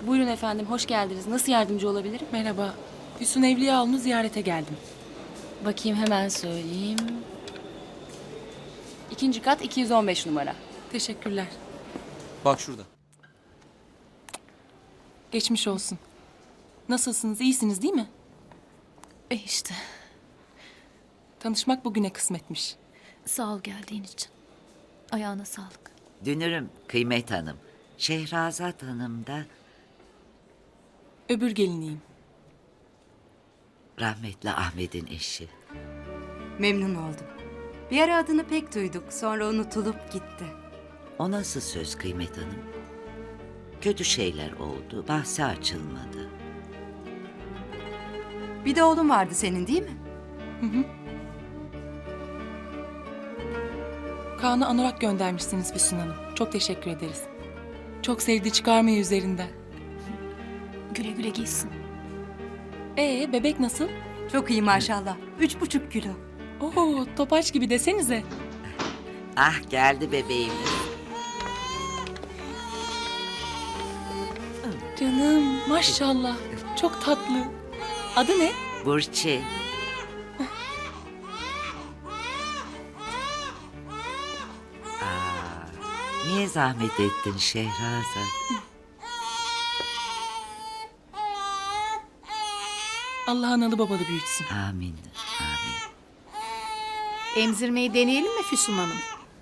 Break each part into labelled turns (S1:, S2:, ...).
S1: Buyurun efendim, hoş geldiniz. Nasıl yardımcı olabilirim?
S2: Merhaba. Füsun Evliyaoğlu'nu ziyarete geldim.
S1: Bakayım hemen söyleyeyim. İkinci kat 215 numara.
S2: Teşekkürler.
S3: Bak şurada.
S2: Geçmiş olsun. Nasılsınız? İyisiniz değil mi?
S4: İşte
S2: Tanışmak bugüne kısmetmiş.
S4: sağ ol geldiğin için. Ayağına sağlık.
S5: Dünürüm Kıymet Hanım. Şehrazat Hanım da
S2: Öbür geliniyim.
S5: rahmetli Ahmet'in eşi.
S6: Memnun oldum. Bir ara adını pek duyduk, sonra unutulup gitti.
S5: O nasıl söz Kıymet Hanım? Kötü şeyler oldu, bahsi açılmadı.
S6: Bir de oğlun vardı senin değil mi?
S2: Kaan'a anorak göndermişsiniz Füsun Hanım. Çok teşekkür ederiz. Çok sevdi çıkarmayı üzerinden.
S4: Güle güle giysin.
S2: Bebek nasıl?
S6: Çok iyi maşallah. 3,5 kilo.
S2: Oo, topaç gibi desenize.
S5: Ah geldi bebeğimiz.
S2: Canım maşallah. Çok tatlı. Adı ne?
S5: Burçin. Niye zahmet ettin Şehrazat?
S2: Allah analı babalı büyütsün.
S5: Amin, amin.
S7: Emzirmeyi deneyelim mi Füsun Hanım?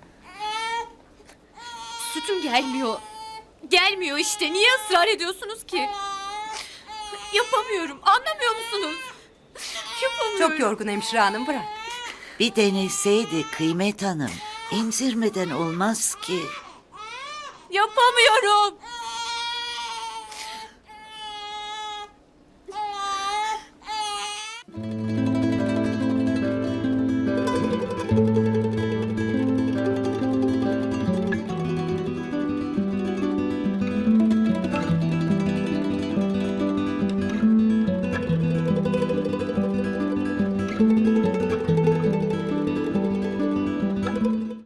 S4: Sütüm gelmiyor. Gelmiyor işte. Niye ısrar ediyorsunuz ki? Yapamıyorum. Anlamıyor musunuz? Yapamıyorum.
S6: Çok yorgun hemşire hanım, bırak.
S5: Bir deneseydi Kıymet Hanım. Emzirmeden olmaz ki.
S4: Yapamıyorum.